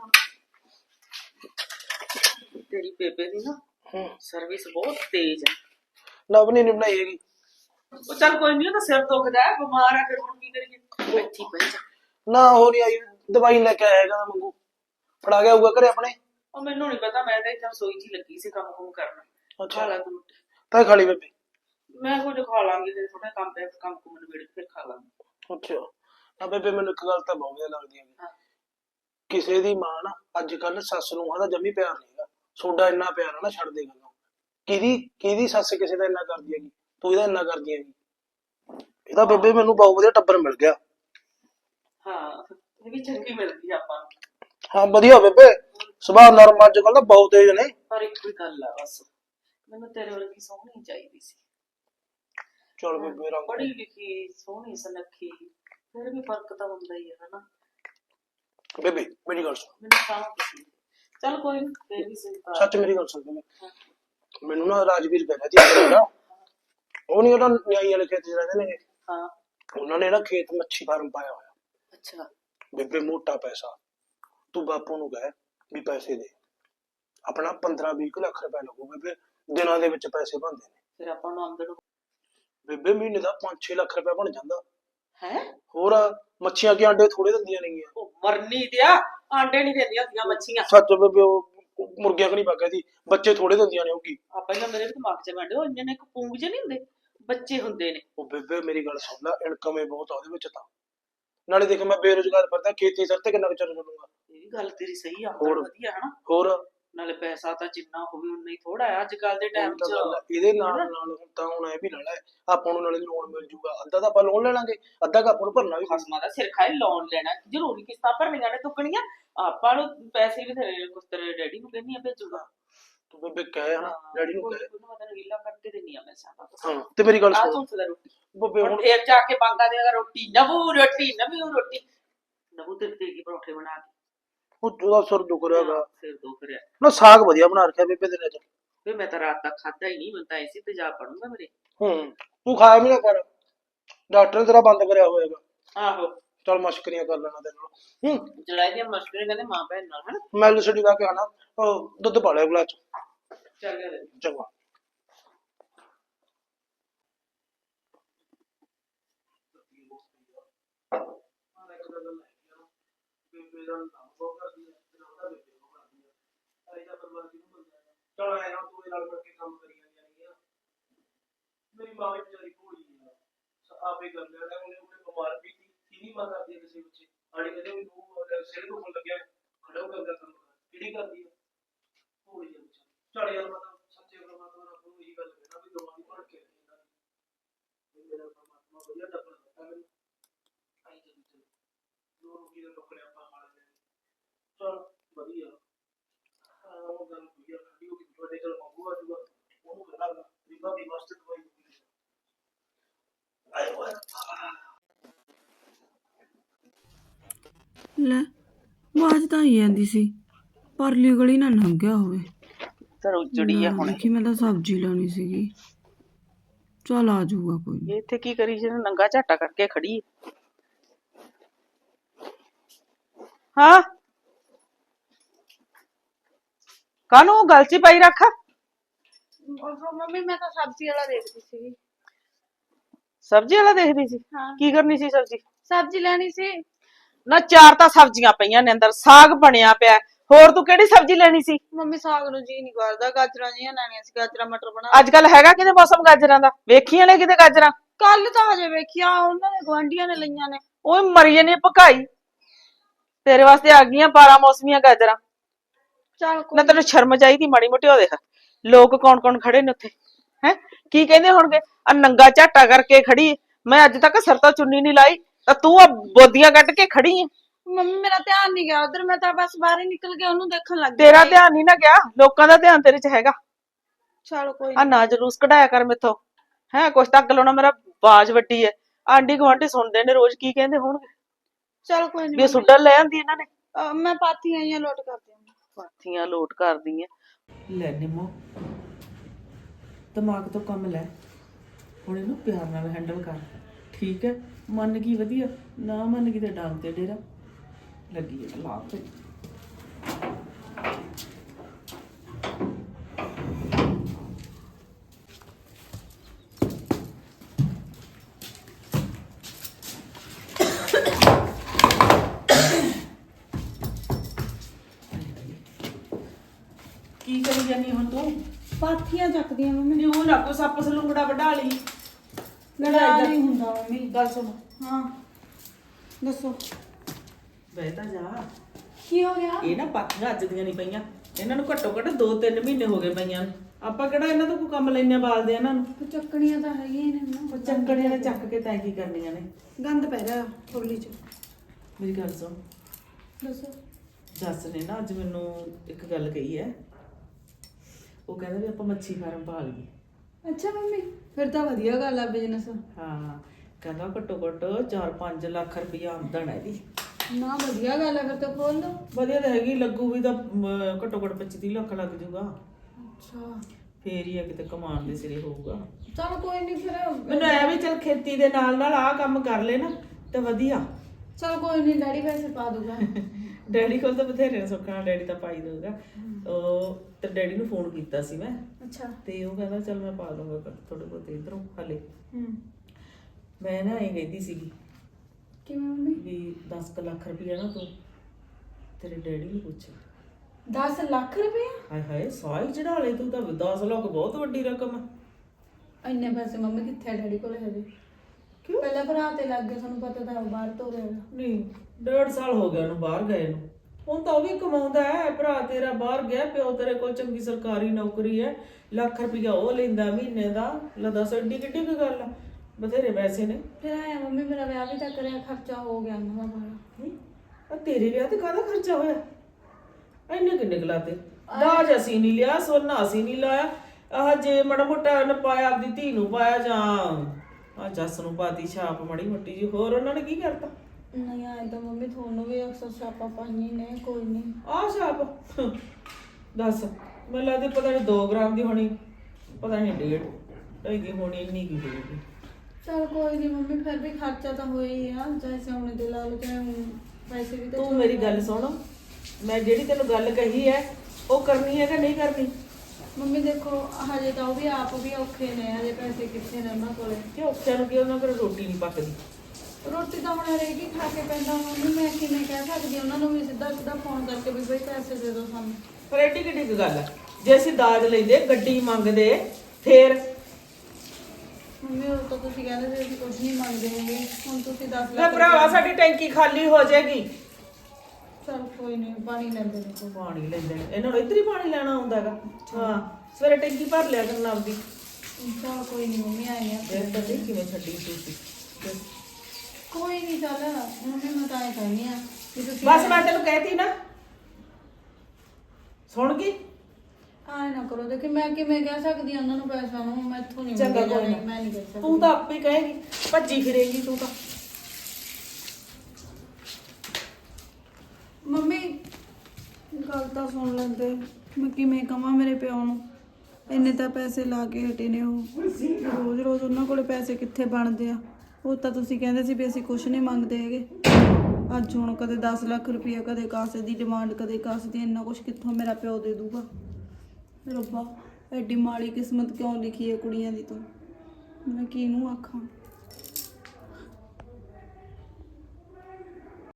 Speaker 4: ਤੇਰੀ ਬੇਬੇ ਦੀ ਨਾ ਸਰਵਿਸ ਬਹੁਤ ਤੇਜ਼ ਹੈ।
Speaker 1: ਨਵ ਨਹੀਂ ਬਣਾਈ ਹੈਗੀ।
Speaker 4: ਉਹ ਚੱਲ ਕੋਈ ਨਹੀਂ, ਉਹ ਤਾਂ ਸਿਰ ਦੁਖਦਾ ਹੈ, ਬਿਮਾਰ ਆ, ਫਿਰ ਹੁਣ ਕੀ ਕਰੀਏ। ਇੱਥੇ ਬਹਿ ਜਾ।
Speaker 1: ਨਾ ਹੋ ਨਹੀਂ ਆਈ, ਦਵਾਈ ਲੈ ਕੇ ਆਏਗਾ ਮੰਗੂ, ਫੜਾ ਗਿਆ ਹੋਊਗਾ ਘਰੇ ਆਪਣੇ।
Speaker 4: ਉਹ ਮੈਨੂੰ ਨਹੀਂ ਪਤਾ, ਮੈਂ ਤਾਂ ਇੱਥੇ ਰਸੋਈ 'ਚ ਹੀ ਲੱਗੀ ਸੀ ਕੰਮ ਕੁਮ ਕਰਨ।
Speaker 1: ਅੱਛਾ
Speaker 4: ਖਾ ਲਾ ਤੂੰ ਰੋਟੀ।
Speaker 1: ਤਾਂ ਖਾ ਲਈ ਬੇਬੇ।
Speaker 4: ਮੈਂ ਕੁਝ ਖਾ ਲਾਂਗੀ, ਤੇ ਥੋੜਾ ਕੰਮ ਕੁਮ ਨਿਬੇੜ ਕੇ ਫਿਰ ਖਾ ਲਾਂਗੀ।
Speaker 1: ਅੱਛਾ ਨਾ ਬੇਬੇ, ਮੈਨੂੰ ਇੱਕ ਗੱਲ ਤਾਂ ਬਹੁਤ ਵਧੀਆ ਲੱਗਦੀ ਹੈ,
Speaker 4: ਹਾਂ।
Speaker 1: ਕਿਸੇ ਦੀ ਮਾਂ ਨਾ ਅੱਜ ਕੱਲ ਸੱਸ ਨੂੰ ਉਹਦਾ ਜੰਮੀ ਪਿਆਰ ਨਹੀਂਗਾ। ਤੁਹਾਡਾ ਇੰਨਾ ਪਿਆਰ ਆ ਨਾ, ਛੱਡ ਦੇ ਗੱਲਾਂ। ਕਿਹਦੀ ਸੱਸ ਕਿਸੇ ਦਾ ਇੰਨਾ ਕਰਦੀ ਹੈਗੀ, ਤੂੰ ਇਹਦਾ ਇੰਨਾ ਕਰਦੀ ਹੈਗੀ। ਇਹਦਾ ਬੇਬੇ ਮੈਨੂੰ ਬਹੁਤ ਵਧੀਆ ਟੱਬਰ ਮਿਲ ਗਿਆ।
Speaker 4: ਹਾਂ, ਇਹ ਵੀ ਚੰਗੀ ਮਿਲਦੀ ਆਪਾਂ ਨੂੰ।
Speaker 1: ਹਾਂ ਵਧੀਆ ਬੇਬੇ, ਸੁਭਾਅ ਨਰਮ, ਅੱਜ ਕੱਲ ਤਾਂ ਬਹੁਤ ਤੇਜ਼ ਨੇ।
Speaker 4: ਪਰ ਇੱਕ ਹੀ ਗੱਲ ਆ ਬਸ, ਮੈਨੂੰ ਤੇਰੇ ਵਰਗੀ ਸੋਹਣੀ ਚਾਹੀਦੀ ਸੀ।
Speaker 1: ਚਲ ਬੇਬੇ ਰੰਗ
Speaker 4: ਪੜ੍ਹੀ ਲਿਖੀ, ਸੋਹਣੀ ਸੁਨੱਖੀ, ਫਿਰ ਵੀ ਫਰਕ ਤਾਂ ਹੁੰਦਾ ਹੀ ਹੈ ਹਨਾ।
Speaker 1: ਬੇਬੇ ਮੇਰੀ ਗੱਲ ਸੁਣ।
Speaker 4: ਮੈਨੂੰ ਤਾਂ ਕਿਸੇ ਚੱਲ ਕੋਈ ਨੀ, ਫਿਰ ਵੀ ਸਹੀ ਤਾਂ
Speaker 1: ਸੱਚ ਮੇਰੀ ਗੱਲ ਸੁਣ ਬੇਬੇ, ਮੈਨੂੰ ਨਾ ਰਾਜਵੀਰ ਕਹਿ ਰਿਹਾ ਸੀ, ਉਹ ਨਹੀਂ ਉਹਦਾ ਨਿਆਈ ਵਾਲੇ ਖੇਤ 'ਚ ਰਹਿੰਦੇ ਨੇ,
Speaker 4: ਹਾਂ।
Speaker 1: ਉਹਨਾਂ ਨੇ ਨਾ ਖੇਤ ਮੱਛੀ ਫਾਰਮ ਪਾਇਆ ਹੋਇਆ।
Speaker 4: ਅੱਛਾ
Speaker 1: ਬੇਬੇ ਮੋਟਾ ਪੈਸਾ, ਤੂੰ ਬਾਪੂ ਨੂੰ ਕਹਿ ਵੀ ਪੈਸੇ ਦੇ, ਆਪਣਾ 15-20 ਲੱਖ ਰੁਪਏ ਲੱਗੂ ਬੇਬੇ, ਦਿਨਾਂ ਦੇ ਵਿੱਚ ਪੈਸੇ ਬਣਦੇ ਨੇ।
Speaker 4: ਫਿਰ ਆਪਾਂ ਨੂੰ ਆਮਦਨ
Speaker 1: ਬੇਬੇ ਮਹੀਨੇ ਦਾ 5-6 ਲੱਖ ਰੁਪਏ ਬਣ ਜਾਂਦਾ
Speaker 4: ਹੈ।
Speaker 1: ਹੋਰ ਮੱਛੀਆਂ ਕੀ ਆਂਡੇ ਥੋੜੇ ਦਿੰਦੀਆਂ ਨੇਗੀਆਂ।
Speaker 4: ਉਹ ਮਰਨੀ ਦਿਆ, ਆਂਡੇ ਨਹੀਂ ਦਿੰਦੀਆਂ ਹੁੰਦੀਆਂ ਮੱਛੀਆਂ।
Speaker 1: ਸੱਚ ਬੇਬੇ, ਉਹ ਮੁਰਗੀਆਂ ਕਣੀ ਬਾਗਾ ਦੀ ਬੱਚੇ ਥੋੜੇ ਦਿੰਦੀਆਂ ਨੇ। ਉਹ ਕੀ
Speaker 4: ਆ ਪਹਿਲਾਂ ਮੇਰੇ ਦਿਮਾਗ 'ਚ ਬੈਠੇ, ਉਹ ਇੰਨੇ ਨੇ ਇੱਕ ਪੂੰਗ ਜੇ ਨਹੀਂ ਹੁੰਦੇ, ਬੱਚੇ ਹੁੰਦੇ ਨੇ।
Speaker 1: ਉਹ ਬੇਬੇ ਮੇਰੀ ਗੱਲ ਸੁਣ ਲੈ, ਇਨਕਮ ਬਹੁਤ ਆ ਉਹਦੇ ਵਿੱਚ ਤਾਂ। ਨਾਲੇ ਦੇਖ ਮੈਂ ਬੇਰੁਜ਼ਗਾਰ ਫਿਰਦਾ, ਖੇਤੀ ਸਿਰ ਤੇ ਕਿੰਨਾ ਕੁ ਚਿਰ ਚੱਲੂਗਾ।
Speaker 4: ਇਹ ਵੀ ਗੱਲ ਤੇਰੀ ਸਹੀ ਆ,
Speaker 1: ਹੋਰ।
Speaker 4: ਵਧੀਆ ਹਨਾ।
Speaker 1: ਹੋਰ
Speaker 2: ਨਾਲੇ ਪੈਸਾ ਤਾਂ ਜਿੰਨਾ ਹੋਵੇ ਉਨਾ ਹੀ ਥੋੜਾ ਹੈ ਅੱਜ ਕੱਲ ਦੇ ਟਾਈਮ 'ਚ।
Speaker 1: ਇਹਦੇ ਨਾਲ ਨਾਲ ਹੁਣ ਤਾਂ ਹੁਣ ਇਹ ਵੀ ਲੈ ਲੈ, ਆਪਾਂ ਨੂੰ ਨਾਲੇ ਲੋਨ ਮਿਲ ਜੂਗਾ, ਅੱਧਾ ਤਾਂ ਆਪਾਂ ਲੋਨ ਲੈ ਲਾਂਗੇ, ਅੱਧਾ ਕੁ ਆਪਾਂ ਨੂੰ ਭਰਨਾ ਵੀ ਪਊ।
Speaker 2: ਖਸਮਾਂ ਦਾ ਸਿਰ ਖਾਏ ਲੋਨ ਲੈਣਾ ਜ਼ਰੂਰੀ, ਕਿਸ਼ਤਾਂ ਭਰਨੀਆਂ ਨੇ ਤੁੱਕਣੀਆਂ ਆਪਾਂ ਨੂੰ ਪੈਸੇ ਵੀ ਕੁਛ ਤੇਰੇ ਡੈਡੀ ਨੂੰ ਕਹਿੰਦੀ ਆ ਭੇਜੂਗਾ।
Speaker 1: ਤੂੰ ਬੇਬੇ ਕਹਿ ਹਨਾ ਡੈਡੀ ਨੂੰ ਕਹਿ।
Speaker 2: ਮੈਂ ਤੈਨੂੰ ਹੀਲਾ ਕਰਕੇ ਦਿੰਨੀ ਆ ਪੈਸਾ।
Speaker 1: ਹਾਂ ਤੇ ਮੇਰੀ ਗੱਲ
Speaker 2: ਆ
Speaker 1: ਸੁਣ
Speaker 2: ਝੂਠ ਦਾ ਰੋਟੀ
Speaker 1: ਬੇਬੇ,
Speaker 2: ਹੁਣ
Speaker 1: ਹੁਣ
Speaker 2: ਫੇਰ ਜਾ ਕੇ ਮੰਗਾ ਦੇਗਾ ਰੋਟੀ, ਨਵੂ ਰੋਟੀ ਨਵੀਂ ਰੋਟੀ, ਨਵੂ ਤੇਰੇ ਦੇਗੀ ਪਰੌਂਠੇ ਬਣਾ ਕੇ।
Speaker 1: ਉਹਦਾ ਸਿਰ ਦੁਖ ਰਿਹਾਗਾ।
Speaker 2: ਸਿਰ ਦੁਖ ਰਿਹਾ
Speaker 1: ਨਾ ਸਾਗ ਵਧੀਆ ਬਣਾ ਰੱਖਿਆ ਬੇਬੇ ਦੇ ਨੇ ਚ।
Speaker 2: ਫੇਰ ਮੈਂ ਤਾਂ ਰਾਤ ਤੱਕ ਖਾਦਾ ਹੀ ਨਹੀਂ, ਮੈਂ ਤਾਂ ਐਸੀ ਤੇਜ਼ਾਬ ਪੜੂੰਗਾ ਮੇਰੇ।
Speaker 1: ਤੂੰ ਖਾਇਆ ਵੀ ਨਾ ਕਰ, ਡਾਕਟਰ ਨੇ ਤੇਰਾ ਬੰਦ ਕਰਿਆ ਹੋਏਗਾ।
Speaker 2: ਆਹੋ
Speaker 1: ਚੱਲ ਮਸ਼ਕਰੀਆਂ ਕਰ ਲੈਣਾ ਤੇਰੇ ਨਾਲ।
Speaker 2: ਜੜਾਈ ਦੀਆਂ ਮਸ਼ਕਰੇ ਕਹਿੰਦੇ ਮਾਂ ਭੈਣ ਨਾਲ ਹਨਾ।
Speaker 1: ਮੈਂ ਲਸੜੀ ਲਾ ਕੇ ਆਣਾ, ਦੁੱਧ ਪਾ ਲਿਆ ਗਲਾਸ ਚ।
Speaker 2: ਚੱਲ ਗਿਆ
Speaker 1: ਚੰਗਾ। ਚਲ ਆਇਆ ਤੂੰ ਇਹ ਨਾਲ ਕਰਕੇ ਕੰਮ ਕਰੀ ਜਾਂਦੀਆਂ। ਮੇਰੀ ਮਾਂ ਵੀ ਵਿਚਾਰੀ ਭੋਲੀ ਆ, ਆਪੇ ਕਰ ਲਿਆ ਉਹਨੇ ਬਿਮਾਰ ਵੀ ਸੀ, ਨਹੀਂ ਮਾ ਕਰਦੀ ਆ ਕਿਸੇ ਬੱਚੇ ਆੜੀ ਕਹਿੰਦੇ ਵੀ ਤੂੰ ਸਿਰ ਦੁਖਣ ਲੱਗਿਆ ਖੜਾ ਹੋ ਕਰਦਾ ਕੰਮ ਕਿਹੜੀ ਕਰਦੀ ਆ, ਭੋਲੀ ਆ ਵਿਚਾਰੀ। ਚਲ ਯਾਰ ਮੈਂ ਤਾਂ ਸੱਚੇ ਪਰਮਾਤਮਾ ਰੱਬ ਨੂੰ ਇਹੀ ਗੱਲ ਕਹਿਣਾ ਵੀ ਦੋਵਾਂ ਦੀ ਭੜ ਕੇ ਰਹਿੰਦਾ ਮੇਰਾ ਪਰਮਾਤਮਾ ਵਧੀਆ ਟੱਕਰ ਦਿੱਤਾ ਮੈਨੂੰ। ਆਈ ਚੱਲ ਚੱਲ ਦੋ ਰੋਟੀ ਦੇ ਟੁਕੜੇ ਆਪਾਂ ਖਾ ਲੈਂਦੇ। ਚਲ ਵਧੀਆ ਉਹ ਗੱਲ ਹੋਈ ਆ, ਠੰਡੀ ਹੋ ਗਈ ਤੁਹਾਡੇ ਚਲ ਮੰਗੂ ਆ ਜੂਗਾ ਉਹਨੂੰ ਕਹਾਂਗਾ ਬੀਬਾ ਦੀ ਵਾਸਤੇ ਦਵਾਈ ਆਏ ਹੋਏ।
Speaker 5: ਲੈ ਆਵਾਜ਼ ਤਾਂ ਆਈ ਜਾਂਦੀ ਸੀ, ਪਰਲੀ ਗਲੀ ਨਾ ਲੰਘਿਆ ਹੋਵੇ।
Speaker 2: ਤਾਂ ਉਜੜੀ ਆ ਹੁਣ
Speaker 5: ਦੇਖੀ ਮੈਂ ਤਾਂ ਸਬਜ਼ੀ ਲੈਣੀ ਸੀਗੀ, ਚਲ ਆ ਜਾਊਗਾ ਕੋਈ ਨੀ।
Speaker 2: ਇਹ ਇੱਥੇ ਕੀ ਕਰੀ ਜਿਹਨੇ ਨੰਗਾ ਝਾਟਾ ਕਰਕੇ ਖੜੀ ਹਾਂ ਕਾਨੂੰ ਗੱਲ ਚ ਪਾਈ ਰੱਖ।
Speaker 5: ਮੰਮੀ ਮੈਂ ਤਾਂ ਸਬਜ਼ੀ ਵਾਲਾ ਦੇਖਦੀ ਸੀਗੀ।
Speaker 2: ਸਬਜ਼ੀ ਵਾਲਾ ਦੇਖਦੀ ਸੀ?
Speaker 5: ਹਾਂ।
Speaker 2: ਕੀ ਕਰਨੀ ਸੀ ਸਬਜ਼ੀ?
Speaker 5: ਸਬਜ਼ੀ ਲੈਣੀ ਸੀ।
Speaker 2: ਨਾ ਚਾਰ ਤਾਂ ਸਬਜ਼ੀਆਂ ਪਈਆਂ ਨੇ ਅੰਦਰ, ਸਾਗ ਬਣਿਆ ਪਿਆ, ਹੋਰ ਤੂੰ ਕਿਹੜੀ ਸਬਜ਼ੀ ਲੈਣੀ ਸੀ?
Speaker 5: ਮੰਮੀ ਸਾਗ ਨੂੰ ਜੀ ਨਹੀਂ ਕਰਦਾ, ਗਾਜਰਾਂ ਜੀਆਂ ਲੈਣੀਆਂ ਸੀ, ਗਾਜਰਾਂ ਮਟਰ ਬਣਾ।
Speaker 2: ਅੱਜ ਕੱਲ ਹੈਗਾ ਕਿਤੇ ਮੌਸਮ ਗਾਜਰਾਂ ਦਾ? ਵੇਖੀਆਂ ਨੇ ਕਿਤੇ ਗਾਜਰਾਂ?
Speaker 5: ਕੱਲ ਤਾਂ ਹਜੇ ਵੇਖਿਆ, ਉਹਨਾਂ ਦੇ ਗੁਆਂਢੀਆਂ ਨੇ ਲਈਆਂ ਨੇ।
Speaker 2: ਓਏ ਮਰੀ ਨੇ ਭਕਾਈ, ਤੇਰੇ ਵਾਸਤੇ ਆ ਗਈਆਂ 12 ਮੌਸਮੀਆਂ ਗਾਜਰਾਂ।
Speaker 5: ਚੱਲ
Speaker 2: ਨਾ ਤੈਨੂੰ ਸ਼ਰਮ ਚਾਹੀਦੀ ਮਾੜੀ ਮੋਟੀ? ਉਹ ਦੇਖ ਲੋਕ ਕੌਣ ਕੌਣ ਖੜੇ ਨੇ ਉੱਥੇ, ਹੈ ਕੀ ਕਹਿੰਦੇ ਹੋਣਗੇ? ਆ ਨੰਗਾ ਝਾਟਾ ਕਰਕੇ ਖੜੀ, ਮੈਂ ਅੱਜ ਤੱਕ ਸਿਰ ਤੋਂ ਚੁੰਨੀ ਨਹੀਂ ਲਾਈ, ਤਾਂ ਤੂੰ ਆ ਬੋਦੀਆਂ ਕੱਢ ਕੇ ਖੜੀ ਹੈ।
Speaker 5: ਮੰਮੀ ਮੇਰਾ ਧਿਆਨ ਨਹੀਂ ਗਿਆ ਉਧਰ, ਮੈਂ ਤਾਂ ਬਸ ਬਾਹਰ ਹੀ ਨਿਕਲ ਕੇ ਉਹਨੂੰ ਦੇਖਣ ਲੱਗ ਗਈ।
Speaker 2: ਤੇਰਾ ਧਿਆਨ ਨਹੀਂ ਨਾ ਗਿਆ, ਲੋਕਾਂ ਦਾ ਧਿਆਨ ਤੇਰੇ 'ਚ ਹੈਗਾ।
Speaker 5: ਚਲ ਕੋਈ
Speaker 2: ਆ ਨਾ ਜਲੂਸ ਕਢਾਇਆ ਕਰ ਮੇਥੋਂ, ਹੈ ਕੁਛ ਤਾਂ ਅੱਗ ਲਾਉਣਾ, ਮੇਰਾ ਬਾਜ ਵੱਡੀ ਹੈ। ਆਂਢੀ ਗੁਆਂਢੀ ਸੁਣਦੇ ਨੇ ਰੋਜ਼, ਕੀ ਕਹਿੰਦੇ ਹੋਣਗੇ?
Speaker 5: ਚਲ ਕੋਈ
Speaker 2: ਵੀ
Speaker 5: ਨਹੀਂ
Speaker 2: ਸੁੱਡਣ ਲੈ ਆਂਦੀ ਇਹਨਾਂ ਨੇ।
Speaker 5: ਮੈਂ ਪਾਥੀਆਂ ਆਈਆਂ ਲੋਟ ਕਰਦੀ ਹਾਂ।
Speaker 2: ਪਾਥੀਆਂ ਲੋਟ ਕਰਦੀ ਐ। ਲੈ ਨਿੰਮੋ ਦਿਮਾਗ ਤੋਂ ਕੰਮ ਲੈ, ਹੁਣ ਇਹਨੂੰ ਪਿਆਰ ਨਾਲ ਹੈਂਡਲ ਕਰ, ਠੀਕ ਹੈ? ਮੰਨ ਗਈ ਵਧੀਆ, ਨਾ ਮੰਨ ਗਈ ਤੇ ਡਾਂਗ ਤੇ ਡੇਰਾ ਲੱਗੀ ਹੈ ਲਾਭ ਤੇ। ਕੀ ਕਰੀ ਜਾਨੀ ਹੁਣ ਤੂੰ?
Speaker 5: ਪਾਥੀਆਂ ਚੱਕਦੀਆਂ ਮੰਮੀ।
Speaker 2: ਨਹੀਂ ਉਹ ਨਾ ਕੋ ਸੱਪ ਸਲੂੰਗੜਾ ਵਢਾ ਲਈ।
Speaker 5: ਲੜਾ ਨਹੀਂ ਹੁੰਦਾ ਮੰਮੀ।
Speaker 2: ਗੱਲ ਸੁਣ।
Speaker 5: ਹਾਂ ਦੱਸੋ
Speaker 2: ਬਹਿ ਤਾਂ ਜਾ।
Speaker 5: ਕੀ ਹੋ ਗਿਆ?
Speaker 2: ਇਹ ਨਾ ਪਾਥੀਆਂ ਅੱਜ ਦੀਆਂ ਨਹੀਂ ਪਈਆਂ, ਇਹਨਾਂ ਨੂੰ ਘੱਟੋ ਘੱਟ 2-3 ਮਹੀਨੇ ਹੋ ਗਏ ਪਈਆਂ ਨੂੰ। ਆਪਾਂ ਕਿਹੜਾ ਇਹਨਾਂ ਤੋਂ ਕੋਈ ਕੰਮ ਲੈਣੇ ਬਾਲਦੇ ਇਹਨਾਂ ਨੂੰ?
Speaker 5: ਚੱਕਣੀਆਂ ਤਾਂ ਹੈਗੀਆਂ ਨੇ ਨਾ।
Speaker 2: ਚੱਕਣੀਆਂ ਨੇ ਚੱਕ ਕੇ ਤੈਂ ਕੀ ਕਰਨੀਆਂ ਨੇ?
Speaker 5: ਗੰਦ ਪੈ ਰਿਹਾ ਥੋੜੀ ਚ।
Speaker 2: ਮੇਰੀ ਗੱਲ ਸੁਣ।
Speaker 5: ਦੱਸੋ।
Speaker 2: ਜੱਸ ਨੇ ਨਾ ਅੱਜ ਮੈਨੂੰ ਇੱਕ ਗੱਲ ਕਹੀ ਹੈ, ਉਹ ਕਹਿੰਦਾ ਵੀ ਆਪਾਂ ਮੱਛੀ ਫਾਰਮ ਪਾ ਲਈਏ।
Speaker 5: ਅੱਛਾ ਮੰਮੀ ਫਿਰ ਤਾਂ ਵਧੀਆ ਗੱਲ ਆ ਬਿਜ਼ਨਸ।
Speaker 2: ਹਾਂ ਕਹਿੰਦਾ ਘੱਟੋ ਘੱਟ 4-5 ਲੱਖ ਰੁਪਈਆ ਆਮਦਨ ਹੈ ਇਹਦੀ।
Speaker 5: ਨਾ ਵਧੀਆ ਗੱਲ ਆ, ਫਿਰ ਤਾਂ ਖੋਲ ਦੋ।
Speaker 2: ਵਧੀਆ ਤਾਂ ਹੈਗੀ, ਲੱਗੂ ਵੀ ਤਾਂ ਘੱਟੋ ਘੱਟ 25-30 ਲੱਖ ਲੱਗ ਜਾਊਗਾ।
Speaker 5: ਅੱਛਾ
Speaker 2: ਫੇਰ ਹੀ ਆ ਕਿਤੇ ਕਮਾਉਣ ਦੇ ਸਿਰੇ ਹੋਊਗਾ।
Speaker 5: ਚਲ ਕੋਈ ਨਹੀਂ ਫਿਰ।
Speaker 2: ਮੈਨੂੰ ਐ ਵੀ ਚਲ ਖੇਤੀ ਦੇ ਨਾਲ ਨਾਲ ਆਹ ਕੰਮ ਕਰ ਲੈ ਨਾ ਤੇ ਵਧੀਆ।
Speaker 5: ਚਲ ਕੋਈ ਨਹੀਂ, ਡੈਡੀ ਪੈਸੇ ਪਾ ਦੂਗਾ।
Speaker 2: ਡੈਡੀ ਕੋਲ ਤਾਂ ਬਥੇਰੇ ਸੁੱਖਣਾ, ਡੈਡੀ ਤਾਂ ਪਾਈ ਦਊਗਾ। ਉਹ ਤੇ ਡੈਡੀ ਨੂੰ ਫੋਨ ਕੀਤਾ ਸੀ ਮੈਂ,
Speaker 5: ਅੱਛਾ
Speaker 2: ਤੇ ਉਹ ਕਹਿੰਦਾ ਚਲ ਮੈਂ ਪਾ ਦੂੰਗਾ ਥੋੜੇ ਬਹੁਤੇ ਇਧਰੋਂ ਹਲੇ।
Speaker 5: ਹੂੰ
Speaker 2: ਮੈਂ ਨਾ ਇਹ ਕਹਿੰਦੀ ਸੀਗੀ
Speaker 5: ਕਿਵੇਂ ਮੰਮੀ?
Speaker 2: ਵੀ 10 ਲੱਖ ਰੁਪਈਆ ਨਾ ਤੂੰ ਤੇਰੇ ਡੈਡੀ ਨੂੰ ਪੁੱਛ।
Speaker 5: 10 ਲੱਖ ਰੁਪਏ?
Speaker 2: ਹਾਏ ਹਾਏ ਸਾਈ ਚੜਾ ਲੈ ਤੂੰ ਤਾਂ। 10 ਲੱਖ ਬਹੁਤ ਵੱਡੀ ਰਕਮ ਹੈ।
Speaker 5: ਇੰਨੇ ਪੈਸੇ ਮੰਮੀ ਕਿੱਥੇ ਡੈਡੀ ਕੋਲ ਹੈਗੇ?
Speaker 2: ਕਿਉਂ?
Speaker 5: ਪਹਿਲਾਂ ਭਰਾ ਤੇ ਲੱਗ ਗਏ, ਤੁਹਾਨੂੰ ਪਤਾ ਤਾਂ ਬਾਹਰ ਤੋਂ ਰਿਹਾ।
Speaker 2: ਨਹੀਂ 1.5 ਸਾਲ ਹੋ ਗਿਆ ਉਹਨੂੰ ਬਾਹਰ ਗਏ ਨੂੰ।
Speaker 4: ਹੁਣ ਤਾਂ ਉਹ ਵੀ ਕਮਾਉਂਦਾ ਹੈ, ਭਰਾ ਤੇਰਾ ਬਾਹਰ ਗਿਆ, ਪਿਓ ਤੇਰੇ ਕੋਲ ਚੰਗੀ ਸਰਕਾਰੀ ਨੌਕਰੀ ਹੈ, ਲੱਖ ਰੁਪਇਆ ਉਹ ਲੈਂਦਾ ਮਹੀਨੇ ਦਾ। ਲੈ ਦੱਸ ਏਡੀ ਕਿੱਡੀ ਕੁ ਗੱਲ ਆ, ਬਥੇਰੇ ਪੈਸੇ ਨੇ।
Speaker 5: ਫਿਰ ਆਇਆ ਮੰਮੀ ਮੇਰਾ ਵਿਆਹ ਵੀ ਤਾਂ ਕਰਿਆ, ਖਰਚਾ ਹੋ ਗਿਆ ਉਹਨਾਂ ਦਾ ਬੜਾ।
Speaker 4: ਆ ਤੇਰੇ ਵਿਆਹ ਤੇ ਕਾਹਦਾ ਖਰਚਾ ਹੋਇਆ? ਇੰਨੇ ਕਿੰਨੇ ਗਲਾਤੇ? ਦਾਜ ਅਸੀਂ ਨਹੀਂ ਲਿਆ, ਸੋਨਾ ਅਸੀਂ ਨਹੀਂ ਲਾਇਆ। ਆਹ ਜੇ ਮਾੜਾ ਮੋਟਾ ਉਹਨੇ ਪਾਇਆ ਆਪਦੀ ਧੀ ਨੂੰ ਪਾਇਆ, ਜਾਂ ਆ ਜੱਸ ਨੂੰ ਪਾਤੀ ਛਾਪ ਮਾੜੀ ਮੋਟੀ ਜੀ, ਹੋਰ ਉਹਨਾਂ ਨੇ ਕੀ ਕਰਤਾ?
Speaker 5: ਨਹੀਂ ਆਇਆ ਤਾਂ ਮੰਮੀ ਤੁਹਾਨੂੰ ਵੀ ਅਕਸਰ ਛਾਪਾਂ ਪਾਈਆਂ ਨੇ, ਕੋਈ ਨਹੀਂ।
Speaker 4: ਆਹ ਛਾਪ ਦੱਸ, ਮੈਨੂੰ ਲੱਗਦਾ ਪਤਾ ਨਹੀਂ 2 ਗ੍ਰਾਮ ਦੀ ਹੋਣੀ, ਪਤਾ ਨਹੀਂ 1.5 ਦੀ ਹੋਣੀ, ਇੰਨੀ ਕੀ ਹੋਊਗੀ।
Speaker 5: ਚਲ ਕੋਈ ਨਹੀਂ ਮੰਮੀ, ਫਿਰ ਵੀ ਖਰਚਾ ਤਾਂ ਹੋਇਆ ਹੀ ਆ, ਚਾਹੇ ਸੋਨੇ ਦੇ ਲਾ ਲਓ ਚਾਹੇ ਪੈਸੇ ਵੀ ਤਾਂ।
Speaker 4: ਤੂੰ ਮੇਰੀ ਗੱਲ ਸੁਣ, ਮੈਂ ਜਿਹੜੀ ਤੈਨੂੰ ਗੱਲ ਕਹੀ ਹੈ ਉਹ ਕਰਨੀ ਹੈ ਕਿ ਨਹੀਂ ਕਰਨੀ?
Speaker 5: ਮੰਮੀ ਦੇਖੋ ਹਜੇ ਤਾਂ ਉਹ ਵੀ ਆਪ ਵੀ ਔਖੇ ਨੇ, ਹਜੇ ਪੈਸੇ ਕਿੱਥੇ ਨੇ ਉਹਨਾਂ ਕੋਲੇ।
Speaker 4: ਕਿ ਔਖਿਆਂ ਨੂੰ ਕਿ ਉਹਨਾਂ ਕੋਲ ਰੋਟੀ ਨਹੀਂ ਪੱਕਦੀ?
Speaker 5: ਰੋਟੀ ਤਾਂ ਹੁਣ ਹਰੇਕ ਹੀ ਖਾ ਕੇ ਪੈਂਦਾ। ਮੰਮੀ ਮੈਂ ਕਿਵੇਂ ਕਹਿ ਸਕਦੀ ਉਹਨਾਂ ਨੂੰ ਵੀ ਸਿੱਧਾ ਸਿੱਧਾ ਫੋਨ ਕਰਕੇ ਵੀ ਬਈ ਪੈਸੇ ਦੇ ਦਿਓ ਸਾਨੂੰ।
Speaker 4: ਪਰ ਐਡੀ ਕਿੱਡੀ ਕੁ ਗੱਲ ਹੈ, ਜੇ ਅਸੀਂ ਦਾਜ ਲੈਂਦੇ, ਗੱਡੀ ਮੰਗਦੇ, ਫੇਰ?
Speaker 5: ਮੰਮੀ ਉਹ ਤਾਂ ਤੁਸੀਂ ਕਹਿੰਦੇ ਸੀ ਅਸੀਂ ਕੁਝ ਨਹੀਂ ਮੰਗਦੇ ਹੈਗੇ, ਹੁਣ ਤੁਸੀਂ 10
Speaker 4: ਲੈ
Speaker 5: ਲੱਖ
Speaker 4: ਭਰਾਵਾ ਸਾਡੀ ਟੈਂਕੀ ਖਾਲੀ ਹੋ ਜਾਏਗੀ।
Speaker 5: ਚਲ ਕੋਈ ਨਹੀਂ, ਪਾਣੀ ਲੈਂਦੇ ਨੇ ਕੋਈ।
Speaker 4: ਪਾਣੀ ਲੈਂਦੇ ਨੇ, ਇਹਨਾਂ ਨੂੰ ਇੱਧਰ ਹੀ ਪਾਣੀ ਲੈਣਾ ਆਉਂਦਾ ਹੈਗਾ। ਹਾਂ ਸਵੇਰੇ ਟੈਂਕੀ ਭਰ ਲਿਆ ਕਰਨਾ ਆਪਦੀ।
Speaker 5: ਚਲ ਕੋਈ ਨਹੀਂ ਮੰਮੀ ਆਏ ਆ।
Speaker 4: ਦੇਖ ਤਾਂ ਸਹੀ ਕਿਵੇਂ ਛੱਡੀ ਤੁਸੀਂ।
Speaker 5: ਕੋਈ ਨਹੀਂ ਚੱਲ ਮੰਮੀ, ਮੈਂ ਤਾਂ ਇਹ ਕਹਿੰਦੀ ਆ ਕਿ ਤੁਸੀਂ
Speaker 4: ਬਸ ਮੈਂ ਤੈਨੂੰ ਕਹਿਤੀ ਨਾ, ਸੁਣ ਗਈ?
Speaker 5: ਆਏ ਨਾ ਕਰੋ, ਦੇਖੀ ਮੈਂ ਕਿਵੇਂ ਕਹਿ ਸਕਦੀ ਆ ਉਹਨਾਂ ਨੂੰ ਪੈਸਾ ਨੂੰ, ਮੈਂ ਇੱਥੋਂ ਨਹੀਂ
Speaker 4: ਚੰਗਾ
Speaker 5: ਮੰਗਿਆ
Speaker 4: ਕੋਈ
Speaker 5: ਜਾਣਾ,
Speaker 4: ਨਾ।
Speaker 5: ਮੈਂ ਨਹੀਂ ਕਹਿ ਸਕਦੀ।
Speaker 4: ਤੂੰ ਤਾਂ ਆਪੇ ਕਹੇਗੀ, ਭੱਜੀ ਫਿਰੇਗੀ ਤੂੰ ਤਾਂ।
Speaker 5: ਮੰਮੀ ਗੱਲ ਤਾਂ ਸੁਣ ਲੈਂਦੇ, ਮੈਂ ਕਿਵੇਂ ਕਵਾਂ ਮੇਰੇ ਪਿਓ ਨੂੰ, ਇੰਨੇ ਤਾਂ ਪੈਸੇ ਲਾ ਕੇ ਹਟੇ ਨੇ ਉਹ, ਰੋਜ਼ ਰੋਜ਼ ਉਹਨਾਂ ਕੋਲੇ ਪੈਸੇ ਕਿੱਥੇ ਬਣਦੇ ਆ। ਉਹ ਤਾਂ ਤੁਸੀਂ ਕਹਿੰਦੇ ਸੀ ਵੀ ਅਸੀਂ ਕੁਝ ਨਹੀਂ ਮੰਗਦੇ ਹੈਗੇ, ਅੱਜ ਹੁਣ ਕਦੇ 10 ਲੱਖ ਰੁਪਇਆ, ਕਦੇ ਕਾਸੇ ਦੀ ਡਿਮਾਂਡ, ਕਦੇ ਕਾਸੇ ਦੀ, ਇੰਨਾ ਕੁਝ ਕਿੱਥੋਂ ਮੇਰਾ ਪਿਓ ਦੇ ਦੂਗਾ। ਰੱਬਾ ਐਡੀ ਮਾੜੀ ਕਿਸਮਤ ਕਿਉਂ ਲਿਖੀ ਹੈ ਕੁੜੀਆਂ ਦੀ ਤੂੰ, ਮੈਂ ਕਿਹਨੂੰ ਆਖਾਂ।